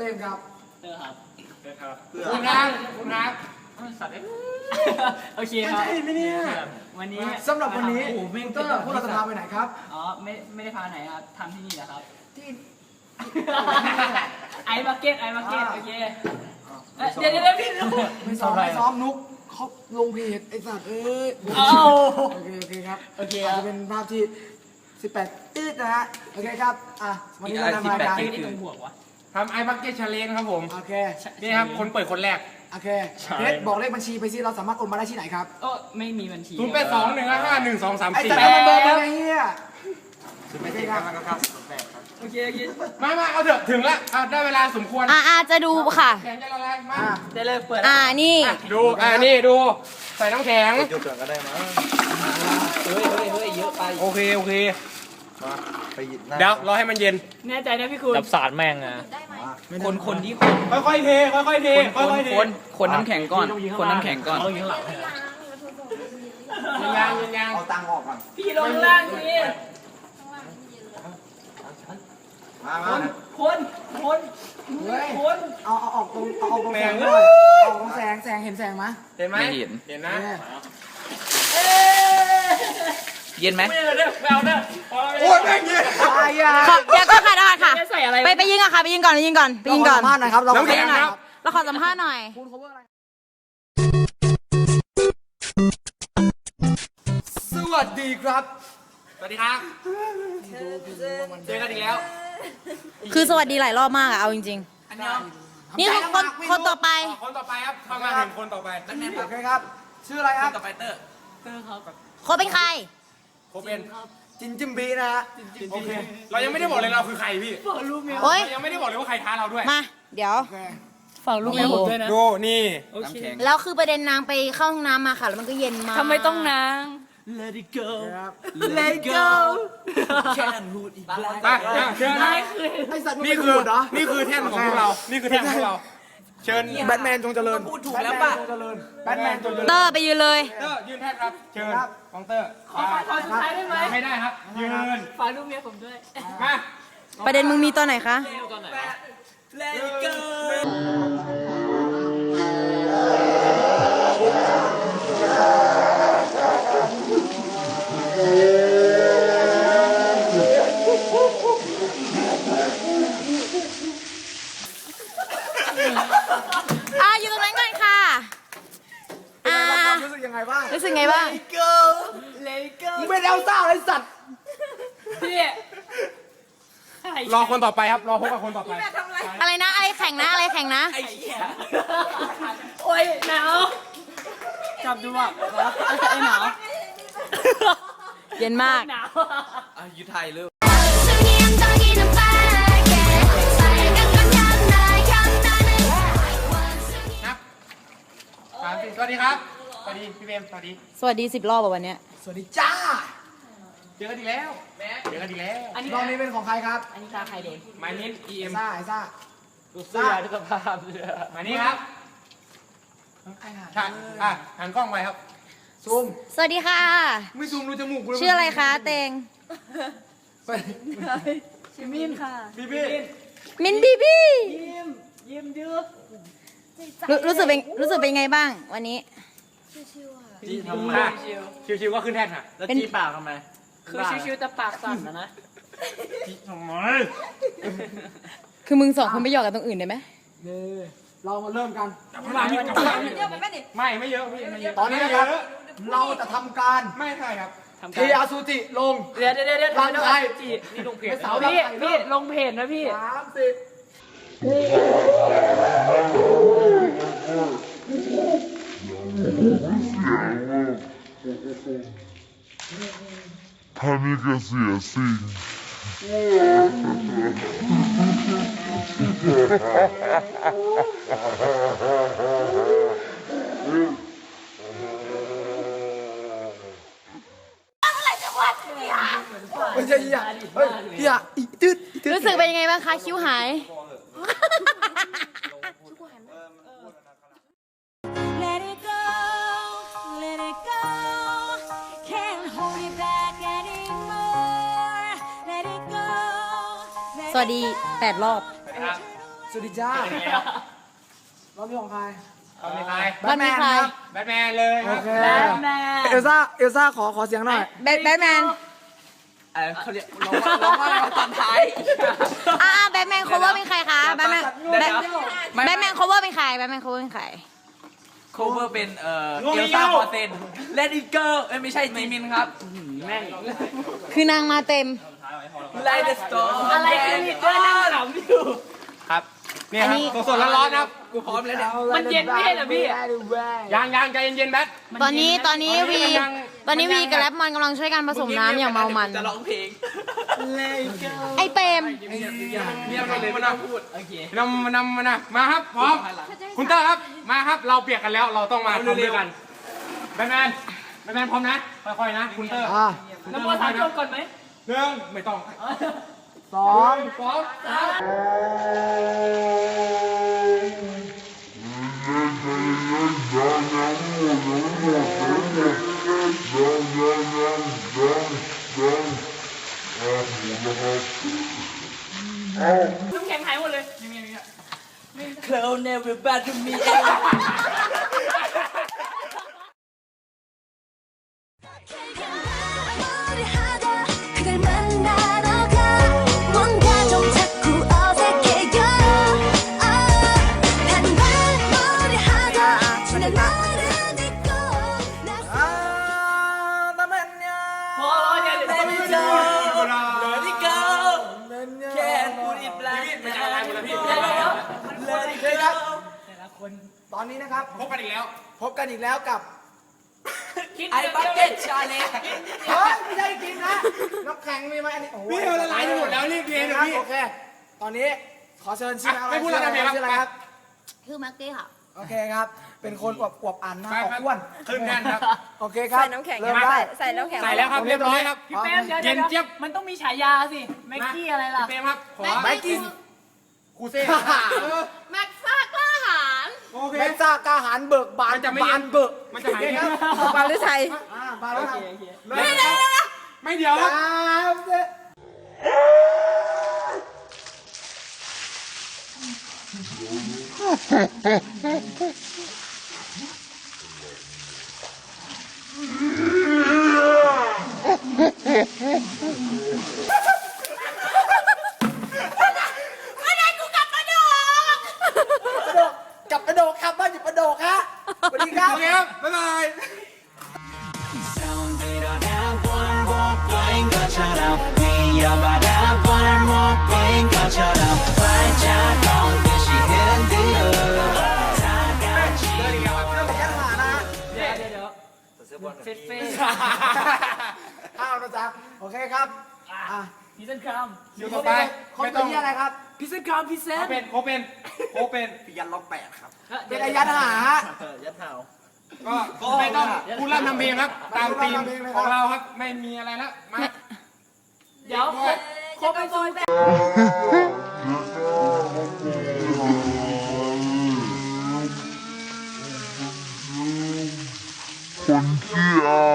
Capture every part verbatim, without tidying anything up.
ต้มครับเตอร์ครับเตอร์ครับคุณครับคุณครับสัตว์โอเคครับไม่ใช่ไหมเนี่ยวันนี้สำหรับวันนี้เตอร์พวกเราจะพาไปไหนครับอ๋อไม่ไม่ได้พาไหนครับทำที่นี่แหละครับที่ไอ้บักเก็ตไอ้บักเก็ตโอเคเดี๋ยวเดี๋ยวพี่ไม่ซ้อมไม่ซ้อมนุ๊กเขาลงเพจไอ้สัตว์เอ้ยโอเคโอเคครับโอเคอาจจะเป็นภาพที่สิบแปดตืดนะฮะโอเคครับอ่ะวันนี้เราทำรายการที่ตรงบวกวะทำไอ้บักเก็ตชาเลนจ์ครับผมโอเคนี่ครับคนเปิดคนแรกโอเคเพชรบอกเลขบัญชีไปสิเราสามารถโอนมาได้ที่ไหนครับโอ้ไม่มีบัญชีศูนย์แปดสองหนึ่งห้าหนึ่งสองสามสี่ไอ้สัตว์มันเบอร์อะไรเงี้ยศูนย์แปดสี่ครับครับโอเคโอเคมามาเอาเถอะถึงแล้วได้เวลาสมควรอ่าอาจะดูค่ะแข็งจะละลายมาได้เลยเปิดอ่านี่ดูอ่านี่ดูใส่น้ำแข็งยกเกินก็ได้มั้งเฮ้ยเฮ้ยเฮ้ยเยอะไปโอเคโอเคมาไปหยิบเดี๋ยวรอให้มันเย็นแน่ใจนะพี่คุณจับสารแม่งอ่ะคนคนที่ค่อยๆเทค่อยๆเทค่อยๆเทคนคนน้ำแข็งก่อนคนน้ำแข็งก่อนยิงยางยิงยางเอาตังค์ออกก่อนพี่ลงล่างนี่มามาคนคนคนเอาเอาออกตรงเอาออกตรงแสงด้วยออกตรงแสงแสงเห็นแสงไหมเห็นไหมไม่เห็นเห็นนะเย็นไหมไม่เอาเด้อไม่เอาเด้อโอ้ยแม่งเย็นอะไรอ่ะเดี๋ยวก็ค่ะได้ค่ะใส่อะไรไปไปยิงอ่ะค่ะไปยิงก่อนไปยิงก่อนไปยิงก่อนสัมภาษณ์หน่อยครับเราน้ำแข็งครับเราขอสัมภาษณ์หน่อยคุณเขาเบอร์อะไรสวัสดีครับสวัสดีครับเจอกันอีกแล้วคือสวัสดีหลายรอบมากอะเอาจริงๆนี่คือคนคนต่อไปคนต่อไปครับเข้ามาถึงคนต่อไปโอเคครับชื่ออะไรครับต่อไปเตอร์เตอร์ครับคนเป็นใครโคเป็นจินจิมบีนะฮะโอเคเรายังไม่ได้บอกเลยเราคือใครพี่โอ้ยยังไม่ได้บอกเลยว่าใครท้าเราด้วยมาเดี๋ยวฝากลูกแม่ผมด้วยนะดูนี่น้ำแข็งแล้วคือประเด็นนางไปเข้าห้องน้ำมาค่ะแล้วมันก็เย็นมากทำไมต้องนาง Let it go Let it go แค่นั้นพูดอีกไปเชิญนี่คือนี่คือแท่นของพวกเรานี่คือแท่นของพวกเราเชิญแบทแมนจงเจริญพูดถูกแล้วป่ะแบทแมนจงเจริญเตอร์ไปยืนเลยเตอร์ยืนแท่นครับเชิญฟองเตอร์ขอขอสุดท้ายได้ไหมไม่ได้ครับยืนฝากลูกเมียผมด้วยมาประเด็นมึงมีตอนไหนคะ Let it go อ่ะอยู่ตรงนั้นก่อนค่ะอ่ารู้สึกยังไงบ้างรู้สึกไงบ้าง Let it go Let it go มึงไม่ได้เอาซ่าไอ้สัตว์พี่รอคนต่อไปครับรอพบกับคนต่อไปอะไรนะอะไรแข่งนะอะไรแข่งนะไอ้เหี้ยโอ้ยหนาวจับดูอ่ะไอ้หนาวเย็นมากหนาวอายุไทยเริ่มสวัสดีครับสวัสดีพี่เบมสวัสดีสวัสดีสิบรอบอ่ะวันเนี้ยสวัสดีจ้าเจอกันอีกแล้วเจอกันอีกแล้วอันนี้รอบนี้เป็นของใครครับอันนี้ตาใครโดนมานิน อี เอ็มซ่าไอ้ซ่าดูเสื้อทุกสภาพเสื้อมานี่ครับหันอ่ะหันกล้องไปครับซูมสวัสดีค่ะไม่ซูมดูจมูกกูเลยชื่ออะไรคะเตงชื่อมินค่ะบีบีมินบีบียิ้มยิ้มเยอะรู้สึกเป็นรู้สึกเป็นไงบ้างวันนี้จีทำไมชิวๆก็ขึ้นแท่นค่ะแล้วจีปากทำไมคือชิวๆแต่ปากสั่นนะนะจีทำไมคือมึงสองคนไปหยอกกันตรงอื่นได้ไหมเนี่ยเรามาเริ่มกันจับพลังจับพลังเยอะไหมไม่ไม่เยอะพี่ไม่เยอะตอนนี้นะครับเราจะทำการไม่ใช่ครับเทอาซูจิลงเดี๋ยวเดี๋ยวเดี๋ยวรังไข่จีนี่ลงเพจพี่พี่ลงเพจนะพี่สามสิบท่านี้ก็เสียสิ่งไม่ใช่เหี้ยเฮ้ยเหี้ยอีตืดรู้สึกเป็นยังไงบ้างคะคิ้วหาย Let it go Let it go Can't hold it back anymore Let it go สวัสดีแปดรอบสวัสดีจ้าเรามีของใครตอนนี้ใครแบทแมนครับแบทแมนเลยคโอรับเคแบทแมนเอลซ่าเอลซ่าขอขอเสียงหน่อยแบทแบทแมนเออเขาเรียกร้องว่าร้องว่าตอนท้ายอ่าแบทแมน cover เป็นใครคะแบทแมนเดี๋ยวแบเดี๋ทยวไม่แบทแมน cover เป็นใครแบทแมน cover เป็นใคร cover เป็นเอ่อเอลซ่าพอเซนเลดอีเกิลเอ้ยไม่ใช่จีมินครับแม่งคือนางมาเต็มไลท์เดอะสตอร์อะไรกันนี่เออนั่งขำอยู่ครับนี่คอัรันนี้บสดๆร้อนๆครับกูพร้อมแล้วเนี่ยมันเย็นไม่ใช่เหรอพี่ยังยังใจเย็นๆแบทตอนนี้ตอนนี้วีมันยังตอนนี้วีกับแรปมอนกำลังช่วยกันผสมน้ำอย่างเมามันจะร้องเพลงไอเปรมเรียบร้อยเลยไม่ต้องพูดโอเคนำนำมานะมาครับพร้อมคุณเตอร์ครับมาครับเราเปียกกันแล้วเราต้องมาทำด้วยกันแบทแมนแบทแมนพร้อมนะค่อยๆนะคุณเตอร์อ่ะน้ำโมสามจบก่อนไหมหนึ่งไม่ต้องสองสองสามน้ำแข็งหายหมดเลย Cloud never bad to me 머리 하다 그댈 만나러 가 뭔가 좀 자꾸 어색해요 반발머리 하다 지난 말을 믿고 나 อ่าตะเมนเนี่ยพอเดี๋ยวเดี๋ยว Baby don't let it go เมนเนี่ย Can't put it back ไม่ใช่อะไรหมดแล้วพี่เดี๋ยวเดี๋ยว Let it โอเคครับ go ตอนนี้นะครับพบกันอีกแล้วพบกันอีกแล้วกับคิดไอ้บักเก็ตชาเลนเฮ้ยไม่ได้กินนะน้ำแข็งมีไหมอันนี้โอ้โหพี่เอาละลายไปหมดแล้วรีบเรียนเถอะพี่โอเค ตอนนี้ขอเชิญชื่ออะไรไม่พูดแล้วนะเมียครับชื่ออะไรครับคือมักกี้ค่ะโอเคครับ เป็นคนอวบอวบๆอ่านหน้าไปออกครับอ้วนขึ้นแน่นครับโอเคครับใส่น้ำแข็งเริ่มได้ใส่น้ำแข็งใส่แล้วครับเรียบร้อยครับพี่เปรมเดี๋ยวเย็นเจี๊ยบมันต้องมีฉายาสิแม็กกี้อะไรล่ะพี่เปรมครับขอไมกี้ครูเซ่แม็กซ่ากล้าหาญโอเคเมซ่ากล้าหารเบิกบานมันจะไม่บานเบิกมันจะหายโอเคครับบางฤทัยอ่าบานแล้วครับไม่เดี๋ยวไม่เดี๋ยวครับอ่า กลับกระโดดครับบ้านอยู่กระโดดฮะสวัสดีครับโอเคครับบ๊ายบายยันหานะฮะเดี๋ยวเดี๋ยวเดี๋ยวเฟสเฟสข้าวนะจ๊ะโอเคครับอ่ะพิซซ่าครัมอยู่ต่อไปคนไม่เป็ต้นองที่อะไรครับพิซซ่าครัมพิซซ่าโคเป็นโคเป็นโคเป็นยันล็อกแปดครับเป็นอายันหาฮะยันเท้าก็ไม่ต้องพูดร่ำทำเพลงครับ ตามธีมของเราครับไม่มีอะไรแล้วมาเดี๋ยวครบเป็นโซนแบบคนขี้อาย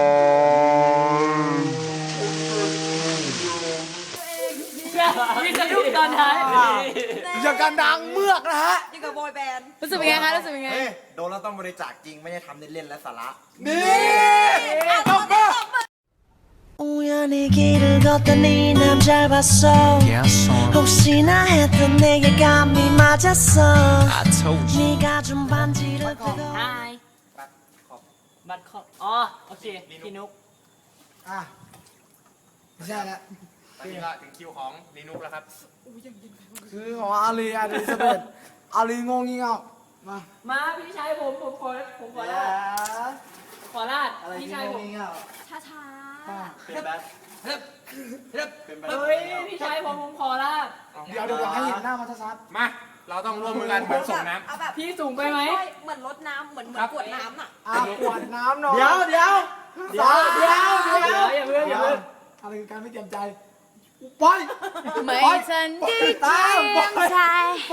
มีสะดุ้งตอนท้ายอย่างกันดังเมือกนะฮะรู้สึกเป็นไงคะรู้สึกเป็นไงโดนแล้วต้องบริจาคจริงไม่ได้ทำเล่นๆและสาระนี่ตบมือ 우연히 길을 걷더니 남잘 봤어 혹시나 했던 내게 감이 맞았어 네가 좀 반지를 펴고 ไฮบัตรคออ๋อ โอเค พี่นุ๊กอ่ะไม่ใช่แล้วตอนนี้ก็ถึงคิวของลีนุกแล้วครับคือของอาลีอาลีสเปนอาลีงงงี้เงามามาพี่ชายผม ผมขอ ผมขอลาดขอลาดอะไรพี่ที่ชายงผงมงี้เงาช้าอ่ะเป็นแบบเฮ้ยเฮ้ยเป็นแบบเฮ้ย พี่ชายผม ผมขอลาดเดี๋ยวเดี๋ยวให้เห็นหน้ามาชัดมา เราต้องร่วมมือกันเหมือนส่งน้ำเอาแบบพี่สูงไปไหมเหมือนรดน้ำเหมือนเหมือนกวดน้ำอ่ะๆอ่ะกวดน้ำหน่อยเดี๋ยวเดี๋ยวเดี๋ยวเดี๋ยวเดี๋ยวอย่าเพิ่งอย่าเพิ่งอะไรคือการไม่เตรียมใจไปไม่ทันได้เตตารีมยมใจไป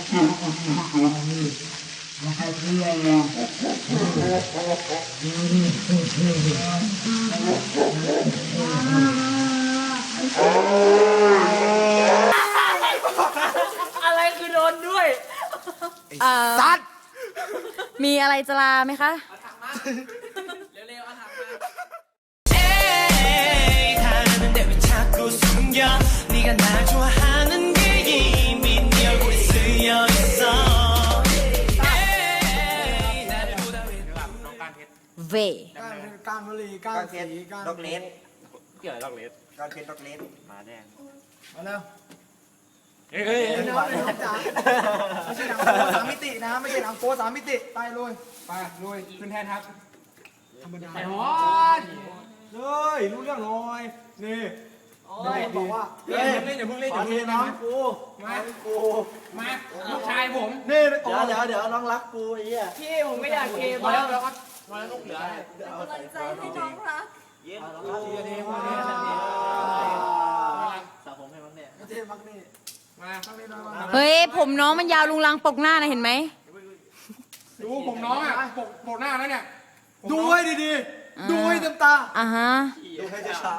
ช้าช้าช้าช้าอะไรคือโดนด้วยเอ่อสัตว์มีอะไรจะลาไหมคะเร็วๆเอาถังมา 에이 다르는데 왜 자꾸 숨겨 네가 날 좋아하는 게 이미 네 얼굴에 쓰여있어 에이 나를 보다 왜 น้องการเพชรเวก้านก้านวลีก้านสีก้านดอกเลสเกี่ยวกับดอกเลสการเพชรดอกเลสมาแดงมาแล้วเฮ้ยเฮ้ยเดี๋ยวนะจ๋าไม่ใช่หนังโป๊สามมิตินะไม่ใช่หนังโป๊สามมิติไปเลยไปเลยขึ้นแทนครับธรรมดาไอ้ฮอนเลยรู้เรื่องหน่อยนี่เด็กบอกว่าเฮ้ยอย่าเพิ่งเล่นอย่าเพิ่งเล่นอย่าเพิ่งเล่นนะกูมากูมาลูกชายผมนี่เดี๋ยวเดี๋ยวเดี๋ยวน้องรักกูไอ้เหี้ยพี่ผมไม่อยากเกมมาแล้แล้ว วแล้วก็มาแล้วลูกเหลือกำลังใจให้น้องรักเย็บทีนี้มาสระผมให้มันเนี่ยไม่ใช่มักนี่มามักนี่น้อยมาเฮ้ย ผมน้องมันยาวลุงลังปกหน้านะเห็นไหมดูผมน้องอ่ะปกปกหน้าแล้วเนี่ยดูให้ดีๆดูให้เต็มตาอ่าฮะดูให้ช้า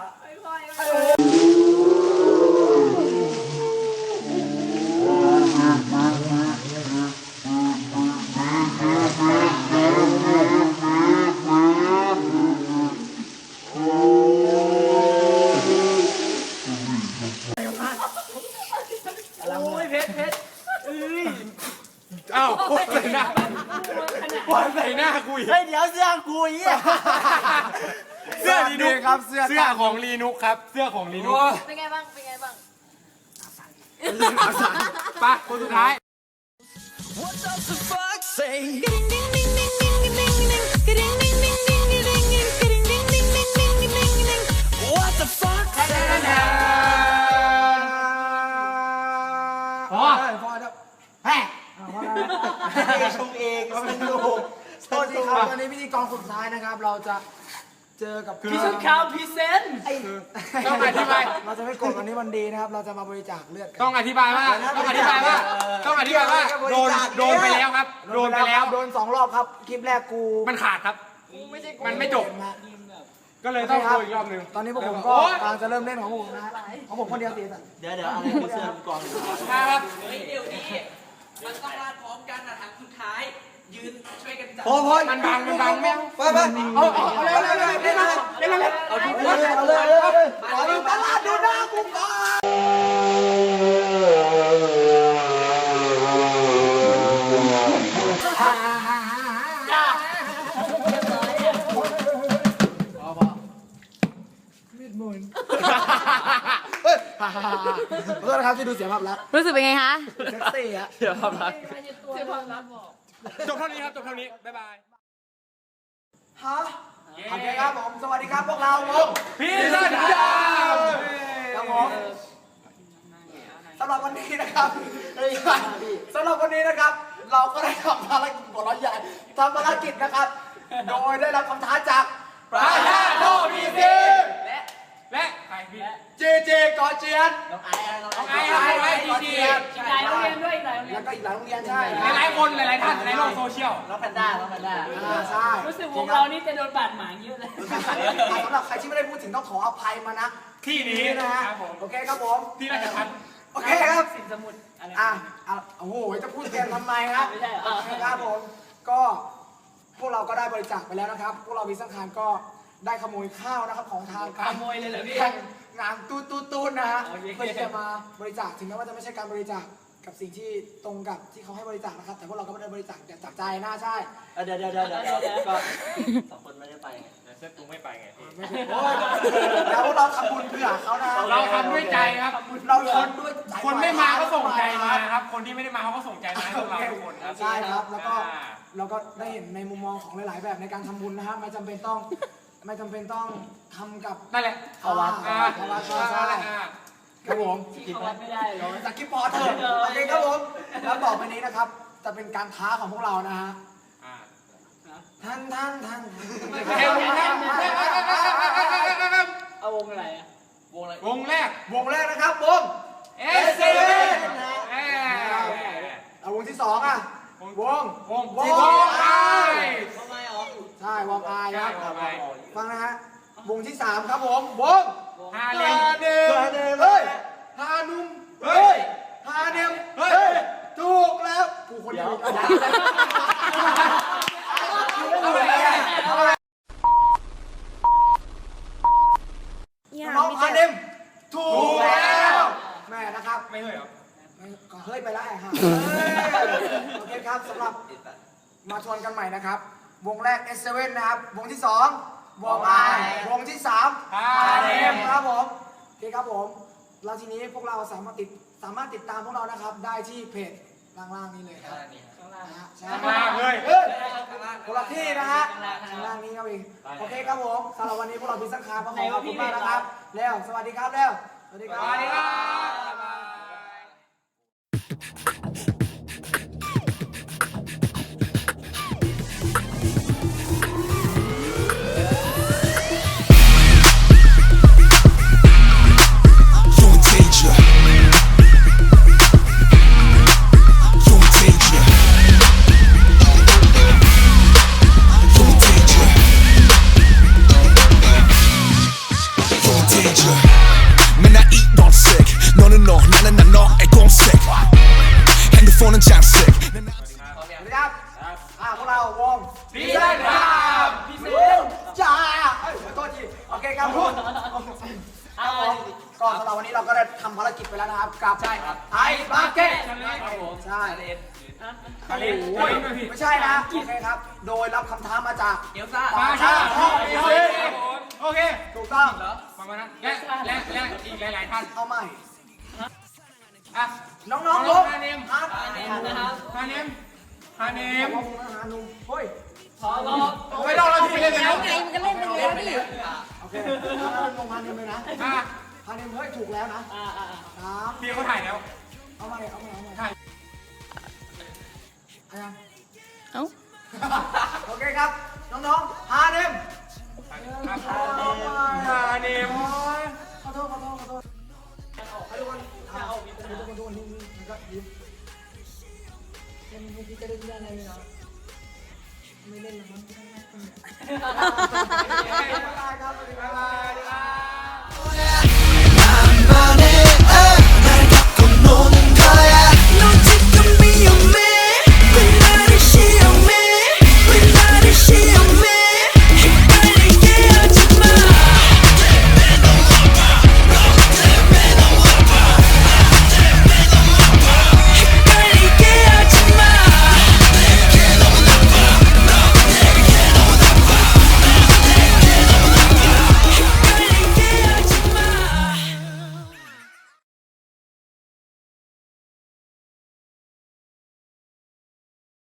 โอ้ยเพชรเพชรเอ้ยอ้าวใส่หน้าปล่อยใส่หน้ากูอีกเฮ้ยเดี๋ยวเสื้อกูไอ้เหี้ยเสื้อลีนุกครับเสื้อเสื้อของลีนุกครับ เสื้อของลีนุกเป็นไงบ้าง เป็นไงบ้างไปคนสุดท้าย What does the fuck say What the fuck พอพอแล้วแฮ่ชงเองสนุกสวัสดีครับวันนี้พิธีกรสุดท้ายนะครับ เราจะเจอกับพี่ชุดขาวพรีเซนต์ต้องอธิบายเราจะไม่กดวันนี้วันดีนะครับ เราจะมาบริจาคเลือดกันต้องอธิบายว่าต้องอธิบายว่าต้องอธิบายว่าโดนโดนไปแล้วครับ โดนไปแล้วโดนสองรอบครับ คลิปแรกกูมันขาดครับ มันไม่จบ ก็เลยต้องโดนอีกรอบหนึ่งตอนนี้พวกผมก็กำลังจะเริ่มเล่นของผมนะฮะของผมคนเดียวตีสัตว์เดี๋ยวเดี๋ยวอะไรคือเสื้อกูกองอยู่มาครับเฮ้ยเดี๋ยวนี้มันต้องวาดพร้อมกันนะถังสุดท้าย ยืนช่วยกันจับพอพอมันบังมันบังแม่งไปไปเอาเอาเอาเลยเลยเลยเลยเลยเลยเลยเอาเลยเอาเลยเอาเลยขอดูตลาดดูหน้ากูก่อนมีดมุนเฮ้ยขอโทษนะครับที่ดูเสียภาพลักษณ์รู้สึกเป็นไงคะเซ็กซี่อะจบเท่านี้ครับจบเท่านี้ บ๊ายบายฮะโอเคครับผม สวัสดีครับพวกเราวงพี่เสื้อดำครับผมสำหรับวันนี้นะครับสำหรับวันนี้นะครับ เราก็ได้ทำภารกิจของเราใหญ่ทำภารกิจนะครับ โดยได้รับคำท้าจากปราชาโนพีซีและและใครพี่เจเจกอเจียนน้องไอ้น้องน้องไอ้ไอ้ครับน้องไอ้ดีจีอีกหลายโรงเรียนด้วยอีกหลายโรงเรียแล้นวก็อีกหลายโรงเรียนใช่หลายๆคนหลายๆท่านในโลกโซเชียลน้องแพนด้าน้องแพนด้าอ่าใช่รู้สึกวงเรานี่จะโดนบาดหมางเยอะเลยสำหรับใครที่ไม่ได้พูดถึงต้องขออภัยมานะที่นี้นี่นะฮะครับผมโอเคครับผมที่ราชพัฒน์โอเคครับสินสมุดอะไรอ่ะอ่ะโอ้โห จะพูดเต็มทำไมครับไม่ใช่เหรอครับผม ก็พวกเราก็ได้บริจาคไปแล้วนะครับ พวกเราวิสังขารก็ได้ขโมยข้าวนะครับของทางขโมยเลยเหรอพี่แข่งงานตูดตูดตูดนะฮะโอเคเพื่อที่จะมาบริจาคถึงแม้ว่าจะไม่ใช่การบริจาคกับสิ่งที่ตรงกับที่เขาให้บริจาคนะครับ แต่พวกเราก็ไม่ได้บริจาคจากใจนะใช่เดี๋ยวเดี๋ยวเดี๋ยวเดี๋ยวก็สองคนไม่ได้ไปไงเสื้อกูไม่ไปไงพี่ไม่ใช่โอ้ยแล้วพวกเราทำบุญเผื่อเขานะเราทำด้วยใจครับเราทำด้วยใจคนไม่มาก็ส่งใจมาครับ คนที่ไม่ได้มาเขาก็ส่งใจมาให้พวกเราทุกคนครับใช่ครับ แล้วก็อ่าเราก็ได้เห็นในมุมมองของหลาย ๆ แบบในการทำบุญนะครับไม่จำเป็นต้องไม่จำเป็นต้องทำกับนั่นแหละภาวะอ่าภาวะใช่ใช่ครับผมที่เขาวัดไม่ได้เหรอจากกิปพอเถอะโอเคครับผมแล้วต่อไปนี้นะครับ จะเป็นการท้าของพวกเรานะฮะอ่าท่านท่านท่านเอาวงอะไรอะวงอะไรวงแรกวงแรกนะครับวงเอสซีเอาวงที่สองอ่ะวงวงวงวงไอทำไมอ๋อใใช่วอร์มอายครับใช่วอร์มอายฟังนะฮะวงที่สามครับผมวงฮาเลมเนมเฮ้ยฮานุมเฮ้ยฮาเนมเฮ้ยถูกแล้วกูคนเดียวเอาไปเอาไปน้องฮาเนมถูกแล้วแม่นะครับไม่เฮ้ยเหรอก็เฮ้ยไปแล้วไอ้ห่าโอเคครับสำหรับมาชวนกันใหม่นะครับ วงแรก เอส เซเว่น นะครับ วงที่สองวงไอวงที่สามฮาเลมครับผมโอเคครับผมแล้วทีนี้พวกเราสามารถติดสามารถติดตามพวกเรานะครับ ได้ที่เพจล่างๆนี้เลยครับนะฮะใช่ข้างล่างเลยเฮ้ยคนละที่นะฮะข้างล่างนี้ครับเองโอเคครับผมสำหรับวันนี้พวกเราพิซซ่าคาร์ขอขอบคุณมากนะครับแล้วสวัสดีครับแล้วสวัสดีครับสวัสดีครับ You're in danger. You're in danger. You're in danger. You're in danger. Man, I eat non sick. No, no, no. 나는 난 너의 공색. 핸드폰은 잠색. สวัสดีครับ อ่าพวกเราวงพิซซ่าครับพิเศษจ้าเอ้ยขอโทษทีโอเคครับผมครับผมก็สำหรับวันนี้เราก็ได้ทำภารกิจไปแล้วนะครับกับใช่ครับไอ้บาเก้ใช่ฮาเลมโอ้ยไม่ใช่นะโอเคครับ โดยรับคำท้ามาจากเอลซ่าปาชาพ่อมีสิโอเคถูกต้องประมาณนั้นและและและอีกหลายๆท่านเอาใหม่อ่ะน้องๆน้ลุองกฮาเนมครับนะครับฮาเนมฮาเนมวงอาหารนุ่มเฮ้ยขอรอไม่ต้องเราทีเล่นเลยนะไงมันก็เล่นไปแล้วดิโอเคเอาเป็นวงพานิมเลยนะอ่ะพานิมเฮ้ยถูกแล้วนะอ่าอ่าสามพี่เขาถ่ายแล้วเอาใหม่เอาใหม่เอาใหม่ถ่ายเอายังเอ้าโอเคครับ น้องๆฮาเนมครับฮาเนมขอโทษขอโทษขอโทษให้ทุกคนอ่าทุกคนทุกคนนิ่งๆแล้วก็ยิ้มเล่นไม่คิดจะเล่นได้อะไรเลยนะไม่เล่นหรอกมั้ง